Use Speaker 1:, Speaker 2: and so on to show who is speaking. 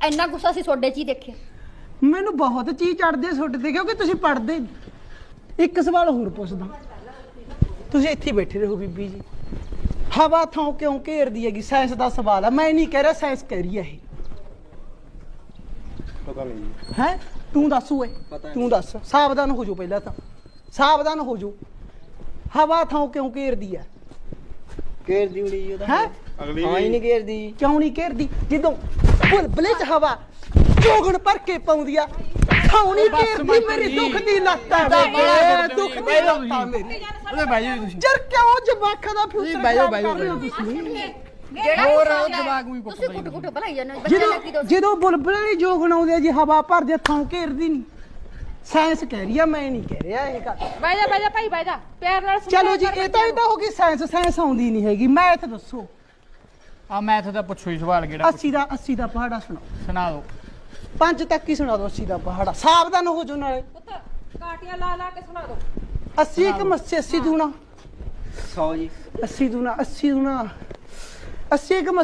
Speaker 1: ਇੰਨਾ ਗੁੱਸਾ ਸੀ ਤੁਹਾਡੇ 'ਚ ਹੀ ਦੇਖਿਆ।
Speaker 2: ਮੈਨੂੰ ਬਹੁਤ ਚੀਜ਼ ਚੜਦੇ ਸੁੱਟ ਦੇ ਕਿਉਂਕਿ ਤੁਸੀਂ ਪੜ੍ਹਦੇ। ਇੱਕ ਸਵਾਲ ਹੋਰ ਪੁੱਛਦਾ, ਤੁਸੀਂ ਇੱਥੇ ਬੈਠੇ ਰਹੋ ਬੀਬੀ ਜੀ। ਹਵਾ ਥਾਂ ਕਿਉਂ ਘੇਰਦੀ ਹੈਗੀ? ਸਾਇੰਸ ਦਾ ਸਵਾਲ ਆ, ਮੈਂ ਨਹੀਂ ਕਹਿ ਰਿਹਾ, ਸਾਇੰਸ ਕਹਿ ਰਹੀ ਹੈ ਇਹ।
Speaker 3: ਪਤਾ ਨਹੀਂ
Speaker 2: ਹੈ ਤੂੰ ਦੱਸ ਓਏ, ਤੂੰ ਦੱਸ। ਸਾਵਧਾਨ ਹੋ ਜਾਓ, ਪਹਿਲਾਂ ਤਾਂ ਸਾਵਧਾਨ ਹੋ ਜਾਓ। ਹਵਾ ਥਾਂ ਕਿਉਂ ਘੇਰਦੀ ਹੈ?
Speaker 3: ਘੇਰਦੀ ਉੜੀ ਉਹਦਾ
Speaker 2: ਹੈ
Speaker 3: ਅਗਲੀ ਹਾਂ ਹੀ ਨਹੀਂ ਘੇਰਦੀ।
Speaker 2: ਕਿਉਂ ਨਹੀਂ ਘੇਰਦੀ? ਜਦੋਂ ਬੁਲਬੁਲੇ ਚ ਹਵਾ ਚੋਗਣ ਭਰ ਕੇ ਪਾਉਂਦੀ ਆ, ਥਾਂ ਨਹੀਂ ਘੇਰਦੀ। ਮੇਰੀ ਦੁੱਖ ਦੀ ਲੱਤ ਆ, ਦੁੱਖ ਦੀ ਲੱਤ ਆ ਮੇਰੀ।
Speaker 3: ਉਹਦੇ ਬਹਿ ਜਾਓ ਤੁਸੀਂ।
Speaker 2: ਯਾਰ ਕਿਉਂ ਜਵਾਕਾਂ ਦਾ ਫਿਊਚਰ ਖਰਾਬ ਕਰ ਰਹੇ ਹੋ ਤੁਸੀਂ?
Speaker 3: ਹੋਰ ਉਹ ਦਿਮਾਗ ਵੀ
Speaker 1: ਤੁਸੀਂ ਕੁੱਟ ਭਲਾਈ ਜਾਂਦੇ ਹੋ ਬੱਚੇ ਲੱਗੀ ਦੋ।
Speaker 2: ਜਦੋਂ ਬੁਲਬੁਲ ਵਾਲੀ ਜੋਗ ਬਣਾਉਂਦੇ ਆ ਜੀ, ਹਵਾ ਭਰਦੇ ਥਾਂ ਘੇਰਦੀ ਨਹੀਂ। ਸਾਇੰਸ ਕਹਿ ਰਹੀ ਆ, ਮੈਂ ਨਹੀਂ ਕਹਿ ਰਿਹਾ ਇਹ ਗੱਲ।
Speaker 4: ਬਹਿ ਜਾ ਭਾਈ ਬਹਿ ਜਾ, ਪਿਆਰ ਨਾਲ
Speaker 2: ਚਲੋ ਜੀ, ਇਹ ਤਾਂ ਹੋ ਗਈ ਸਾਇੰਸ। ਸਾਇੰਸ ਆਉਂਦੀ ਨਹੀਂ ਹੈਗੀ। ਮੈਥ ਦੱਸੋ।
Speaker 3: ਆ ਮੈਥ ਦਾ ਪੁੱਛੋ ਹੀ ਸਵਾਲ ਕਿਹੜਾ
Speaker 2: 80 ਦਾ ਪਹਾੜਾ ਸੁਣਾਓ।
Speaker 3: ਸੁਣਾ ਦਿਓ।
Speaker 2: 5 ਤੱਕ ਹੀ ਸੁਣਾ ਦਿਓ। 80 ਦਾ ਪਹਾੜਾ। ਸਾਵਧਾਨ ਹੋ ਜਾਓ ਨਾਲੇ।
Speaker 4: ਪੁੱਤ ਕਾਟੀਆਂ ਲਾ ਕੇ ਸੁਣਾ ਦੋ।
Speaker 2: 80 ਇੱਕ ਮੱਸੇ 80 ਦੂਣਾ
Speaker 3: 100 ਜੀ
Speaker 2: 80 ਦੂਣਾ 80 ਦੂਣਾ 80 ਇੱਕ